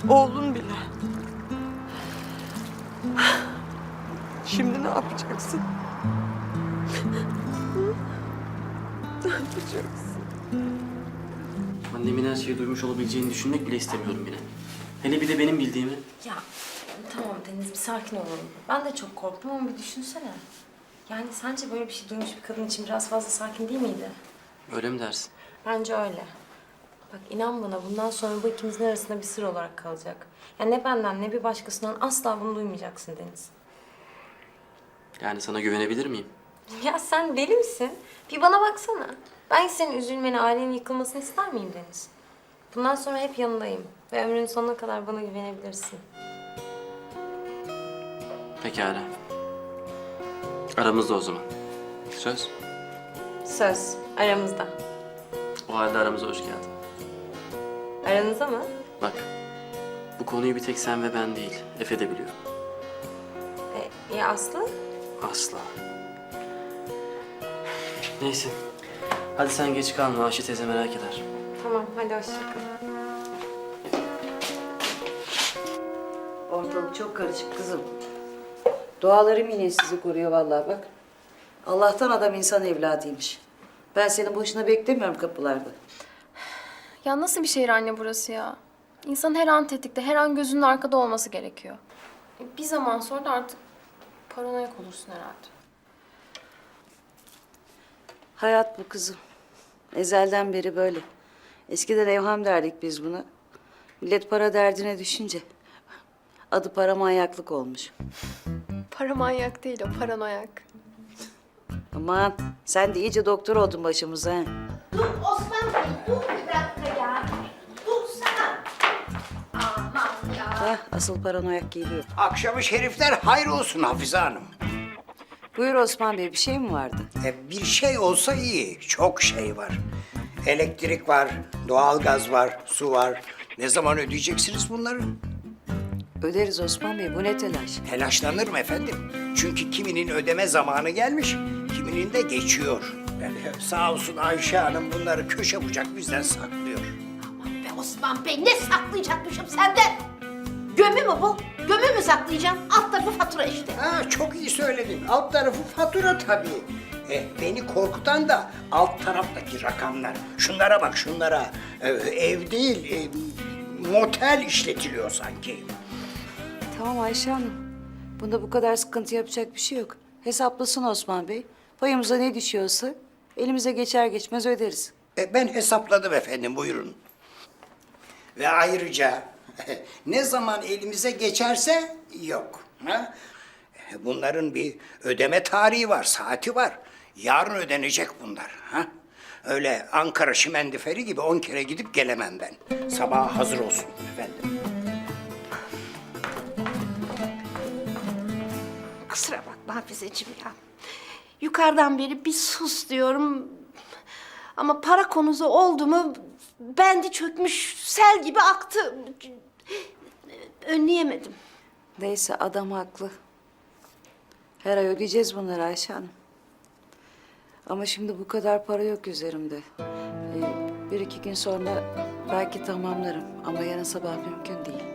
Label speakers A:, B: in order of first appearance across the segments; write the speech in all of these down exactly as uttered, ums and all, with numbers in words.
A: Oğlun bile. Şimdi ne yapacaksın? Ne yapacaksın?
B: Annemin her şeyi duymuş olabileceğini düşünmek bile istemiyorum yine. Hele bir de benim bildiğimi.
C: Ya tamam Deniz, bir sakin olalım. Ben de çok korktum ama bir düşünsene. Yani sence böyle bir şey duymuş bir kadın için biraz fazla sakin değil miydi?
B: Öyle mi dersin?
C: Bence öyle. Bak inan bana, bundan sonra bu ikimizin arasında bir sır olarak kalacak. Yani ne benden ne bir başkasından asla bunu duymayacaksın Deniz.
B: Yani sana güvenebilir miyim?
C: Ya sen deli misin? Bir bana baksana. Ben senin üzülmeni, ailenin yıkılmasını ister miyim Deniz? Bundan sonra hep yanındayım. Ve ömrünün sonuna kadar bana güvenebilirsin.
B: Pekala. Aramızda o zaman. Söz.
C: Söz aramızda.
B: O halde aramıza hoş geldin.
C: Aranızda mı?
B: Bak, bu konuyu bir tek sen ve ben değil, Efe de biliyor.
C: E, ya Aslı?
B: Asla. Neyse. Hadi sen geç kalma, Ayşe teyze merak eder.
C: Tamam, hadi hoşça kal.
D: Ortalık çok karışık kızım. Dualarım yine sizi koruyor vallahi bak. Allah'tan adam insan evladıymış. Ben seni boşuna beklemiyorum kapılarda.
E: Ya nasıl bir şehir anne burası ya? İnsan her an tetikte, her an gözünün arkada olması gerekiyor. Bir zaman sonra da artık paranoyak olursun herhalde.
D: Hayat bu kızım. Ezelden beri böyle. Eskiden evham derdik biz buna. Millet para derdine düşünce adı paramanyaklık olmuş.
E: Para manyak değil o, paranoyak.
D: Aman sen de iyice doktor oldun başımıza. He.
F: Dur Osman Bey, dur bir dakika ya. Dur sana. Aman ya.
D: Hah, asıl paranoyak geliyor.
G: Akşamı şerifler hayır olsun Hafize Hanım.
D: Buyur Osman Bey, bir şey mi vardı?
G: E, bir şey olsa iyi, çok şey var. Elektrik var, doğalgaz var, su var. Ne zaman ödeyeceksiniz bunları?
D: Öderiz Osman Bey, bu ne telaş?
G: Telaşlanırım efendim. Çünkü kiminin ödeme zamanı gelmiş, kiminin de geçiyor. Yani sağ olsun Ayşe Hanım bunları köşe bucak bizden saklıyor.
F: Aman be Osman Bey, ne saklayacakmışım senden? Gömü mü bu? Gömü mü saklayacağım? Alt tarafı fatura işte.
G: Ha, çok iyi söyledin. Alt tarafı fatura tabii. E, beni korkutan da alt taraftaki rakamlar. Şunlara bak şunlara. E, ev değil, e, motel işletiliyor sanki.
D: Tamam Ayşe Hanım. Bunda bu kadar sıkıntı yapacak bir şey yok. Hesaplasın Osman Bey. Payımıza ne düşüyorsa elimize geçer geçmez öderiz.
G: E, ben hesapladım efendim, buyurun. Ve ayrıca ne zaman elimize geçerse yok. Ha? E, Bunların bir ödeme tarihi var, saati var. Yarın ödenecek bunlar. Ha? Öyle Ankara Şimendiferi gibi on kere gidip gelemem ben. Sabaha hazır olsun efendim.
F: Kusura bakma Hafizeciğim ya. Yukarıdan beri bir sus diyorum. Ama para konusu oldu mu bendi çökmüş sel gibi aktı. Önleyemedim.
D: Neyse adam haklı. Her ay ödeyeceğiz bunları Ayşe Hanım. Ama şimdi bu kadar para yok üzerimde. Ee, bir iki gün sonra belki tamamlarım. Ama yarın sabah mümkün değil.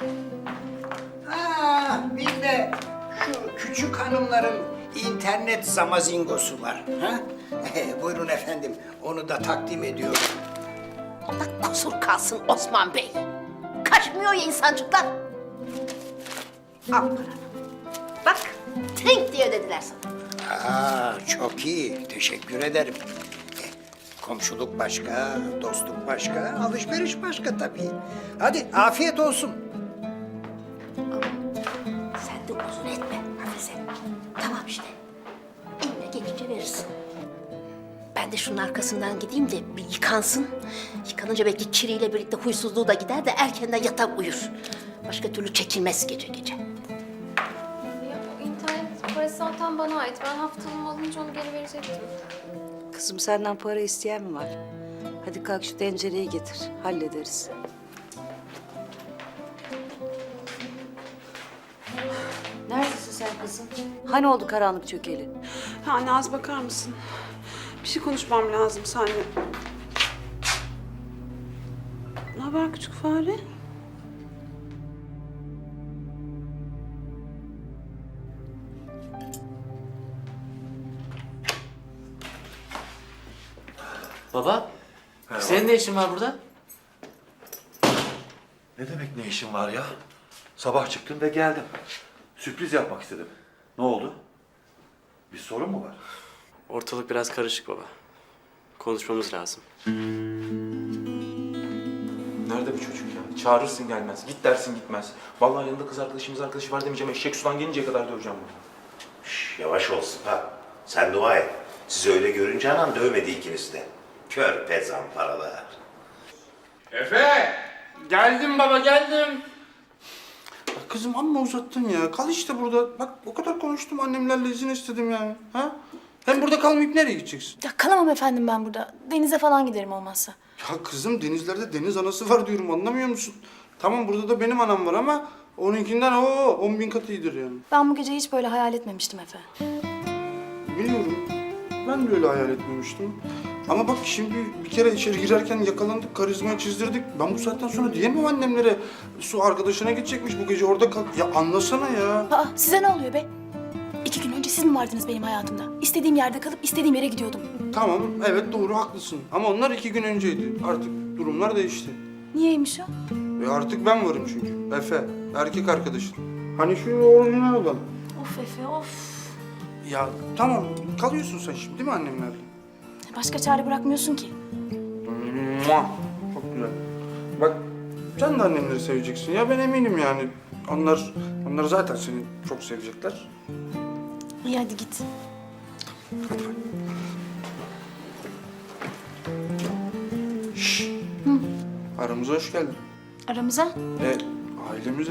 G: Ha, bir de şu küçük hanımların internet zamazingosu var. Ha? Buyurun efendim, onu da takdim ediyorum.
F: Allah kusur kalsın Osman Bey. Kaçmıyor ya insancıklar. Al paranı. Bak, trink diye ödediler sana.
G: Aa, çok iyi, teşekkür ederim. Eh, Komşuluk başka, dostluk başka, alışveriş başka tabii. Hadi afiyet olsun.
F: Sen de uzun etme Hafize. Tamam işte. Eline geçince verirsin. Ben de şunun arkasından gideyim de bir yıkansın. Yıkanınca belki kiriyle birlikte huysuzluğu da gider de erkenden yatar uyur. Başka türlü çekilmez gece gece.
E: Ya o internet parası zaten bana ait. Ben haftalığımı alınca onu geri verecektim.
D: Kızım senden para isteyen mi var? Hadi kalk şu tencereyi getir. Hallederiz. Neredesin sen kızım? Hani oldu karanlık çökeli?
A: Ha, anne az bakar mısın? Bir şey konuşmam lazım seninle. Ne haber küçük fare?
B: Baba, senin ne işin var burada?
H: Ne demek ne işin var ya? Sabah çıktım ve geldim. Sürpriz yapmak istedim. Ne oldu? Bir sorun mu var?
B: Ortalık biraz karışık baba. Konuşmamız lazım.
I: Nerede bu çocuk ya? Çağırırsın gelmez. Git dersin gitmez. Vallahi yanında kız arkadaşımız arkadaşı var demeyeceğim. Eşek sudan gelinceye kadar döveceğim bunu.
J: Şş, yavaş olsun ha. Sen dua et. Sizi öyle görünce anam dövmedi ikiniz de. Kör pezan paralar.
I: Efe! Geldim baba geldim.
K: Kızım amma uzattın ya. Kal işte burada. Bak o kadar konuştum annemlerle izin istedim yani. Ha? Hem burada kalmayıp nereye gideceksin?
L: Ya kalamam efendim ben burada. Denize falan giderim olmazsa.
K: Ya kızım denizlerde deniz anası var diyorum anlamıyor musun? Tamam burada da benim anam var ama onunkinden o on bin kat iyidir yani.
L: Ben bu gece hiç böyle hayal etmemiştim Efe.
K: Biliyorum. Ben de öyle hayal etmemiştim. Ama bak şimdi bir kere içeri girerken yakalandık, karizmayı çizdirdik. Ben bu saatten sonra diyemem annemlere. Su arkadaşına gidecekmiş bu gece orada kal. Ya anlasana ya.
L: Aa size ne oluyor be? İki gün önce siz mi vardınız benim hayatımda? İstediğim yerde kalıp istediğim yere gidiyordum.
K: Tamam evet doğru haklısın. Ama onlar iki gün önceydi. Artık durumlar değişti.
L: Niyeymiş o?
K: Ve artık ben varım çünkü. Efe, erkek arkadaşın. Hani şu orijinal olan.
L: Of Efe of.
K: Ya tamam, kalıyorsun sen şimdi değil mi annemlerle?
L: Başka çare bırakmıyorsun ki.
K: Mua! Çok güzel. Bak, sen de annemleri seveceksin ya ben eminim yani. Onlar, onlar zaten seni çok sevecekler.
L: İyi hadi git.
K: Hadi bak. Şşş. Aramıza hoş geldin.
L: Aramıza.
K: E, ailemize.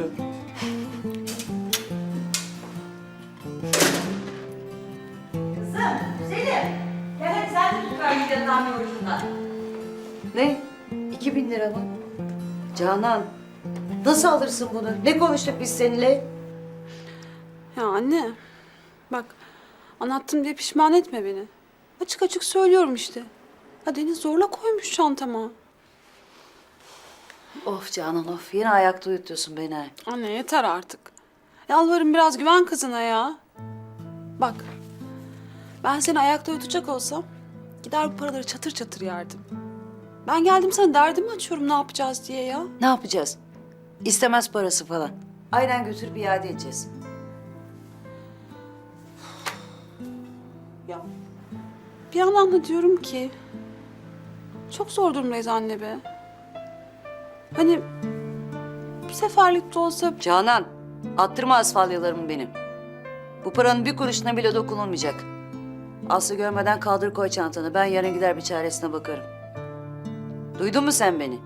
D: Ne? İki bin lira mı? Canan, nasıl alırsın bunu? Ne konuştuk biz seninle?
A: Ya anne, bak anlattım diye pişman etme beni. Açık açık söylüyorum işte. Ya Deniz zorla koymuş çantama.
D: Of Canan of, yine ayakta uyutuyorsun beni ha.
A: Anne yeter artık. Yalvarırım biraz güven kızına ya. Bak, ben seni ayakta uyutacak olsam gider bu paraları çatır çatır yerdim. Ben geldim sana derdimi açıyorum ne yapacağız diye ya.
D: Ne yapacağız? İstemez parası falan. Aynen götürüp iade edeceğiz.
A: Ya bir yandan da diyorum ki çok zor durumdayız anne be. Hani bir seferlik de olsa
D: Canan, attırma asfalyalarımı benim. Bu paranın bir kuruşuna bile dokunulmayacak. Aslı görmeden kaldır koy çantanı. Ben yarın gider bir çaresine bakarım. Duydun mu sen beni?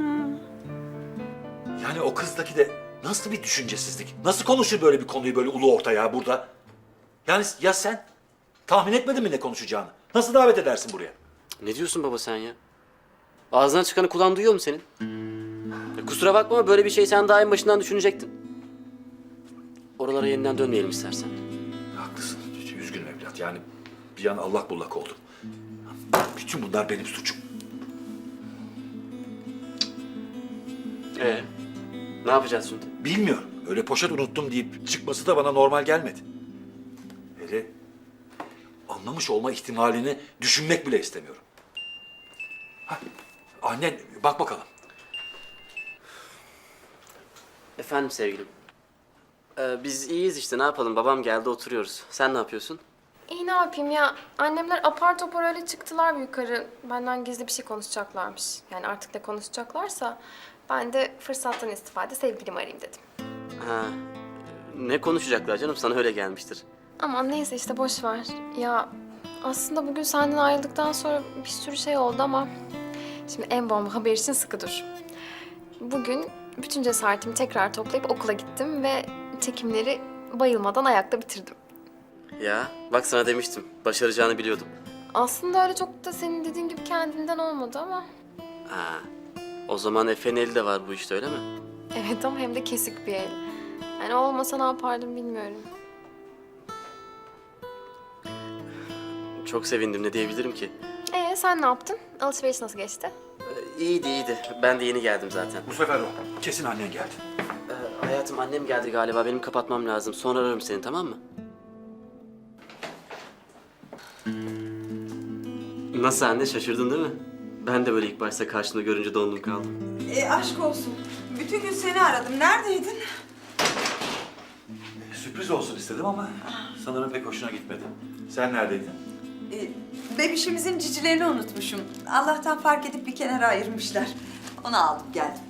H: Yani o kızdaki de nasıl bir düşüncesizlik? Nasıl konuşur böyle bir konuyu böyle ulu orta ya burada? Yani ya sen? Tahmin etmedin mi ne konuşacağını? Nasıl davet edersin buraya?
B: Ne diyorsun baba sen ya? Ağzından çıkanı kulağın duyuyor mu senin? Ya kusura bakma ama böyle bir şey sen daha en başından düşünecektin. Oralara yeniden dönmeyelim istersen.
H: Haklısın. Üzgünüm evlat. Yani bir an allak bullak oldum. Bütün bunlar benim suçum.
B: Ee, ne yapacağız şimdi?
H: Bilmiyorum. Öyle poşet unuttum deyip çıkması da bana normal gelmedi. Hele anlamış olma ihtimalini düşünmek bile istemiyorum. Hah, annen bak bakalım.
B: Efendim sevgilim. Ee, biz iyiyiz işte ne yapalım babam geldi oturuyoruz. Sen ne yapıyorsun?
E: İyi ne yapayım ya? Annemler apar topar öyle çıktılar yukarı. Benden gizli bir şey konuşacaklarmış. Yani artık ne konuşacaklarsa ben de fırsattan istifade sevgilimi arayayım dedim.
B: Ha, ne konuşacaklar canım sana öyle gelmiştir.
E: Aman neyse işte boş ver. Ya aslında bugün senden ayrıldıktan sonra bir sürü şey oldu ama şimdi en bomba haber için sıkı dur. Bugün bütün cesaretimi tekrar toplayıp okula gittim ve çekimleri bayılmadan ayakta bitirdim.
B: Ya bak sana demiştim başaracağını biliyordum.
E: Aslında öyle çok da senin dediğin gibi kendinden olmadı ama.
B: Ha, o zaman Efe'nin eli de var bu işte öyle mi?
E: Evet ama hem de kesik bir el. Yani olmasa ne yapardım bilmiyorum.
B: Çok sevindim ne diyebilirim ki?
E: Ee sen ne yaptın? Alışveriş nasıl geçti?
B: Ee, iyiydi iyiydi ben de yeni geldim zaten.
H: Bu sefer o. Kesin annen geldi.
B: Ee, hayatım annem geldi galiba benim kapatmam lazım sonra ararım seni tamam mı? Nasıl anne şaşırdın değil mi? Ben de böyle ilk başta karşında görünce dondum kaldım.
M: E aşk olsun. Bütün gün seni aradım. Neredeydin?
H: Sürpriz olsun istedim ama sanırım pek hoşuna gitmedi. Sen neredeydin?
M: E, bebişimizin cicilerini unutmuşum. Allah'tan fark edip bir kenara ayırmışlar. Onu aldım geldim.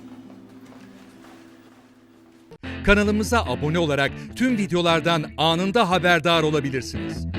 N: Kanalımıza abone olarak tüm videolardan anında haberdar olabilirsiniz.